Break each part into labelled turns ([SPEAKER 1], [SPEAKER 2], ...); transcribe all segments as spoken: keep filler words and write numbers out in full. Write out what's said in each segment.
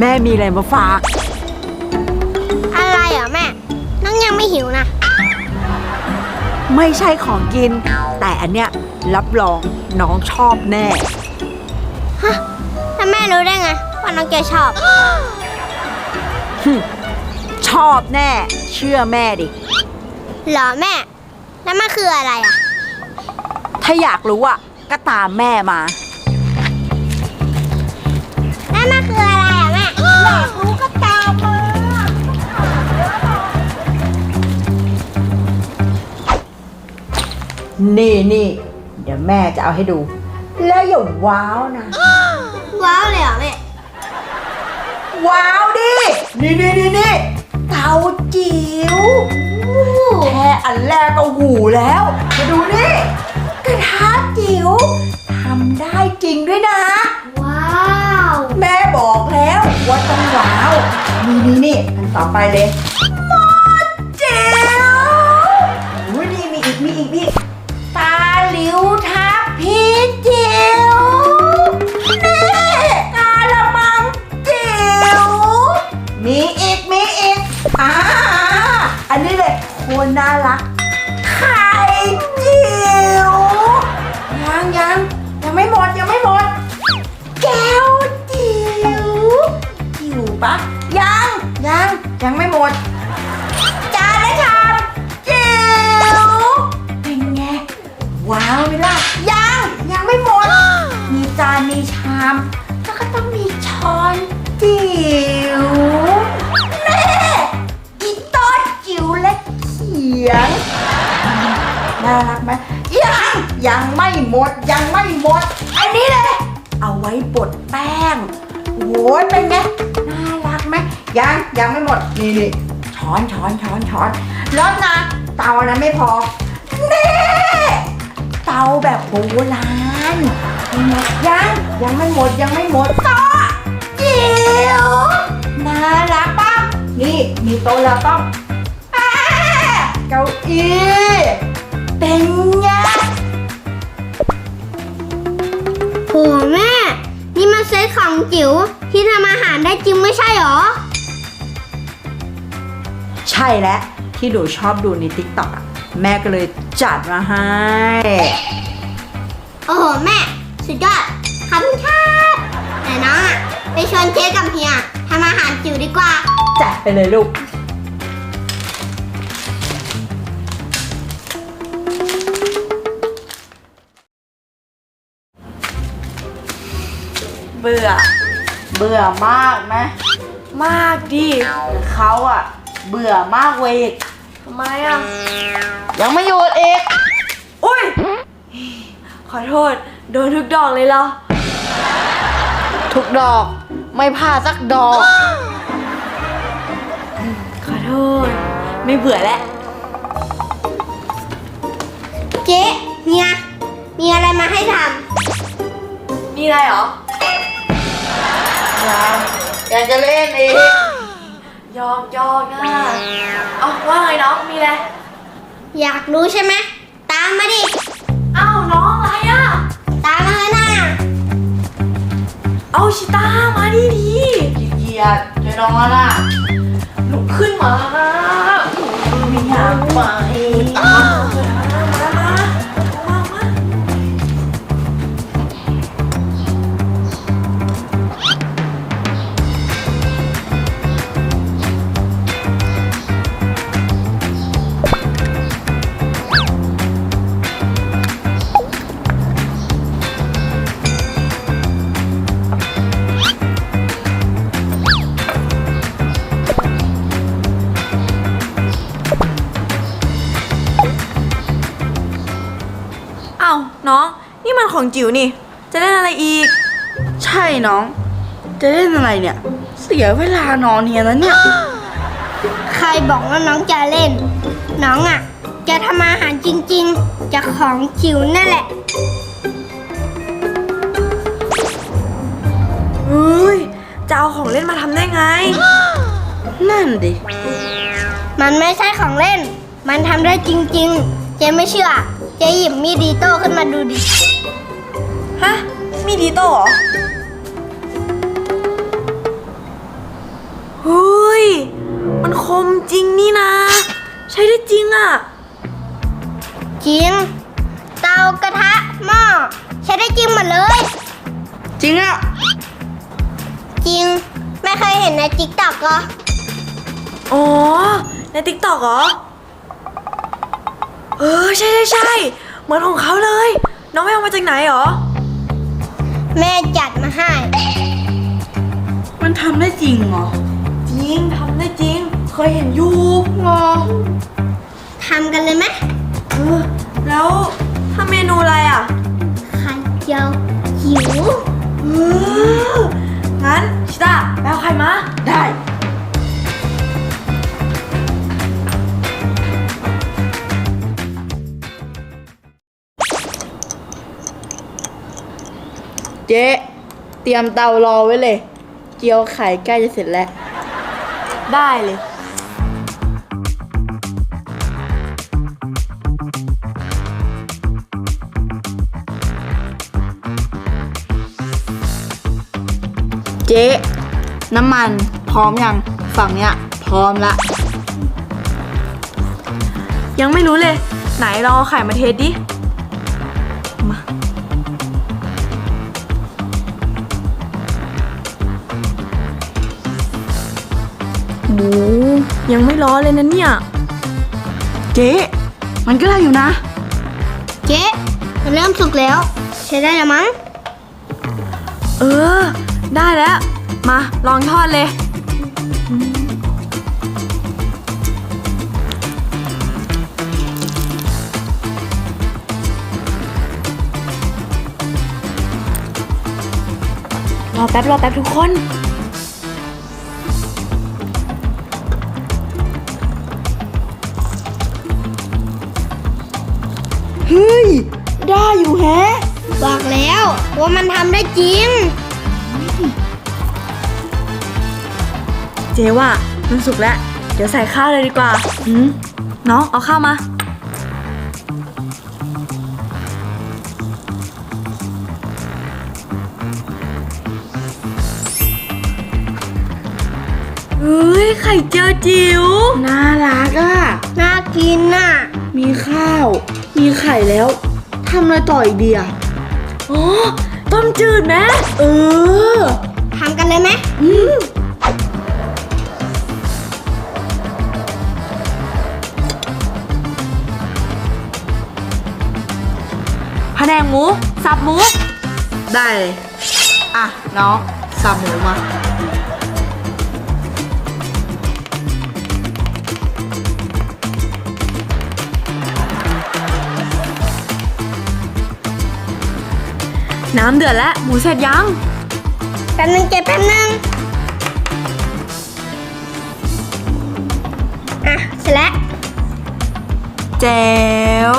[SPEAKER 1] แม่มีอะไรมาฝาก
[SPEAKER 2] อะไรอ่ะแม่น้องยังไม่หิวนะ
[SPEAKER 1] ไม่ใช่ของกินแต่อันเนี้ยรับรองน้องชอบแน่
[SPEAKER 2] ฮะแล้วแม่รู้ได้ไงว่าน้องแกชอบ
[SPEAKER 1] ชอบแน่เชื่อแม่ดิ
[SPEAKER 2] เหรอแม่แล้วมันคืออะไรอ่ะ
[SPEAKER 1] ถ้าอยากรู้อ่ะก็ตามแม่มา
[SPEAKER 2] แล้วมันคืออะไรอ่ะแม่อยากรู้ก็ตามมา
[SPEAKER 1] นี่นี่เดี๋ยวแม่จะเอาให้ดูแล้วอย่าว้าวนะ
[SPEAKER 2] ว้าวเลยเหรอแม่
[SPEAKER 1] ว้าวดินี่นี่นี่นี่เตาจิ๋วแค่อันแรกก็หูแล้วมาดูนี่กระทะจิ๋วทำได้จริงด้วยนะ
[SPEAKER 2] ว้าว
[SPEAKER 1] แม่บอกแล้วว่าต้องว้าวนี่นี่นี่อันต่อไปเลยหม้อจิ๋วอุ้ยนี่มีอีกมีอีกมีอีกตาหลิวทับพีจิ๋วนี่กาละมังจิ๋วมีอีกมีอีกอ่าอันนี้เลยโคตรน่ารักไข่จิ๋วยังยังยังไม่หมดยังไม่หมดแก้วจิ๋วจิ๋วปะยังยังยังไม่หมดจานและชามจิ๋วเป็นไงว้าวไหมล่ะยังยังไม่หมดมีจานมีชามแล้วก็ต้องมีช้อนจิ๋วแม่อีโต๊ะจิ๋วและเขียงน่ารักไหมยังยังไม่หมดยังไม่หมดอันนี้เลยเอาไว้บดแป้งโอ้ยเป็นไงน่ารักไหมยังยังไม่หมดนี่นี่ช้อนช้อนช้อนช้อนแล้วนะเตานะไม่พอนี่เตาแบบโบราณยังยังไม่หมดยังไม่หมดโต๊ะจิ๋วน่ารักป่ะนี่มีโต๊ะแล้วต้องเก้าอี้เป็นไง
[SPEAKER 2] โหแม่นี่มันเซ็ตของจิ๋วที่ทำอาหารได้จริงไม่ใช่หรอ
[SPEAKER 1] ใช่แล้วที่หนูชอบดูใน ติ๊กต็อก อ่ะแม่ก็เลยจัดมาให้
[SPEAKER 2] โอ้โหแม่สุดยอดขอบคุณครับแต่น้องอ่ะไปชวนเจ๊กับเฮียทำอาหารจิ๋วดีกว่า
[SPEAKER 1] จัดไปเลยลูกเบื่อเบื่อมากไหมมากดิเขาอะเบื่อมากเว้ยทำไมอะยังไม่หยุดอีกอุ้ยขอโทษโดนทุกดอกเลยเหรอทุกดอกไม่พลาดสักดอกขอโทษไม่เบื่อแล้ว
[SPEAKER 2] เจ๊เฮียมีอะไรมาให้ทำ
[SPEAKER 1] มีอะไรหรอยังอยากจะเล่นอีกยอกยอกนะเอาว่าไงน้องมีอะไร
[SPEAKER 2] อยากรู้ใช่ไหมตามมาดิ
[SPEAKER 1] เอ้าน้องอะไรอ่ะ
[SPEAKER 2] ตามมาเลยนะ
[SPEAKER 1] เอาชิต้ามาดิดีเกียดเจน้องล่ะลุกขึ้นมาไม่อยากไปตามมามามามาน้องนี่มันของจิ๋วนี่จะเล่นอะไรอีกใช่น้องจะเล่นอะไรเนี่ยเสียเวลานอนเฮียแล้วเนี่ย
[SPEAKER 2] ใครบอกว่าน้องจะเล่นน้องอ่ะจะทำอาหารจริงๆจากของจิ๋วนั่นแหละ
[SPEAKER 1] เฮ้ยจะเอาของเล่นมาทำได้ไงนั่นดิ
[SPEAKER 2] มันไม่ใช่ของเล่นมันทำได้จริงๆเจ๊ไม่เชื่อเจ๊หยิบมีดดีโต้ขึ้นมาดูดิ
[SPEAKER 1] ฮะมีดดีโต้เหรอ
[SPEAKER 3] เฮ้ยมันคมจริงนี่นะ ใช้ได้จริงอะ
[SPEAKER 2] จริง เตากระทะหม้อใช้ได้จริงหมดเลย
[SPEAKER 1] จริงอะ
[SPEAKER 2] จริง ไม่เคยเห็นในติ๊กต็อกเหรอ
[SPEAKER 3] อ๋อในติ๊กต็อกเหรอเออใช่ใช่ใช่เหมือนของเขาเลย น้องไปเอามาจากไหนเหรอ
[SPEAKER 2] แม่จัดมาให้
[SPEAKER 1] มันทำได้จริงเหรอ
[SPEAKER 3] จริงทำได้จริง เคยเห็นอยู่
[SPEAKER 2] งอทำกันเลยไหม
[SPEAKER 3] เออแล้วทำเมนูอะไรอ่ะ
[SPEAKER 2] ไข่เจียวหิว
[SPEAKER 3] เอองั้นชิต้าไปเอาไข่มา
[SPEAKER 1] ได้ เจ๊เตรียมเตารอไว้เลย เจียวไข่ใกล้จะเสร็จแล้ว
[SPEAKER 3] ได้เลย
[SPEAKER 1] เจ๊น้ำมันพร้อมยังฝั่งเนี้ยพร้อมละ
[SPEAKER 3] ยังไม่รู้เลย ไหนลองเอาไข่มาเทสดิ มา หมูยังไม่ร้อนเลยนะเนี่ย
[SPEAKER 1] เจ๊มันก็ได้อยู่นะ
[SPEAKER 2] เจ๊มันเริ่มสุกแล้ว ใช้ได้แล้วมั้ง
[SPEAKER 3] เออ ได้แล้ว มาลองทอดเลย รอแป๊บ รอแป๊บทุกคน
[SPEAKER 1] เฮ้ย ได้อยู่แฮะ
[SPEAKER 2] บอกแล้วว่ามันทำได้จริง
[SPEAKER 3] เจ๊ว่ามันสุกแล้ว เดี๋ยวใส่ข้าวเลยดีกว่า อืมน้องเอาข้าวมา เฮ้ย ไข่เจียวจิ๋ว
[SPEAKER 1] น่ารักอ่ะ
[SPEAKER 2] น่ากินน่ะ
[SPEAKER 1] มีข้าว มีไข่แล้ว ทำอะไรต่ออีกดีอ่ะ
[SPEAKER 3] อ๋อ ต้มจืดไหม
[SPEAKER 1] เออ
[SPEAKER 2] ทำกันเลยไหม
[SPEAKER 1] อืม
[SPEAKER 3] แผนงหมู สับหมู
[SPEAKER 1] ได้เลย อ่ะ น้องสับหมูมา
[SPEAKER 3] น้ำเดือดแล้ว หมูเสร็จยัง
[SPEAKER 2] แป๊บนึงเจ๊แป๊บนึง อ่ะ เสร็จแล้ว
[SPEAKER 3] แจ๋ว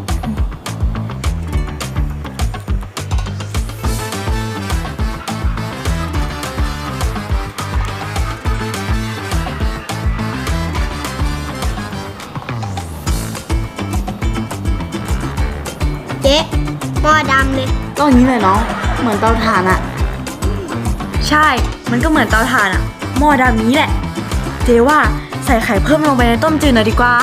[SPEAKER 2] เจ๊หม้อดำเลย
[SPEAKER 1] ก็อย่างนี้เลยน้อง เหมือนเตาถ่านอ่ะ
[SPEAKER 3] ใช่ มันก็เหมือนเตาถ่านอะหม้อดำนี้แหละ เจ๊ว่าใส่ไข่เพิ่มลงไปในต้มจืดหน่อยดีกว่า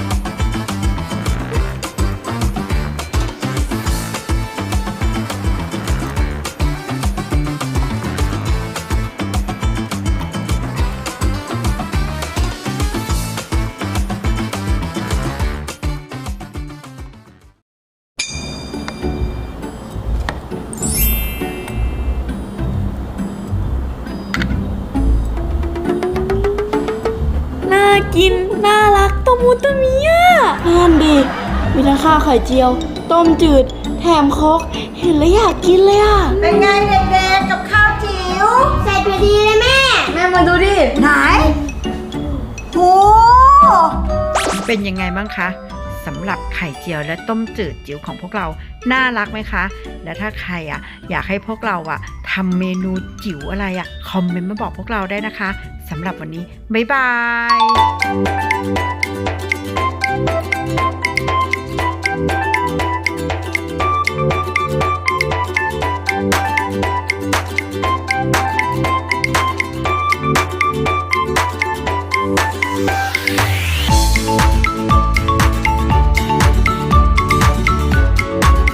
[SPEAKER 3] น่ากิน น่ารักตะมูตะมีอ่ะ
[SPEAKER 1] นั่นดิ มีทั้งข้าวไข่เจียว ต้มจืด แถมโคกเห็นแล้วอยากกินเลยอ่ะ
[SPEAKER 4] เป็นไงเด็กๆกับข้าวจิ๋ว
[SPEAKER 2] ใส่พอดีเลยแม่
[SPEAKER 1] แม่มาดูดิ
[SPEAKER 4] ไหนโห
[SPEAKER 5] เป็นยังไงบ้างคะสำหรับไข่เจียวและต้มจืดจิ๋วของพวกเราน่ารักไหมคะ และถ้าใครอ่ะอยากให้พวกเราอ่ะทำเมนูจิ๋วอะไรอ่ะคอมเมนต์มาบอกพวกเราได้นะคะสำหรับวันนี้บ๊ายบาย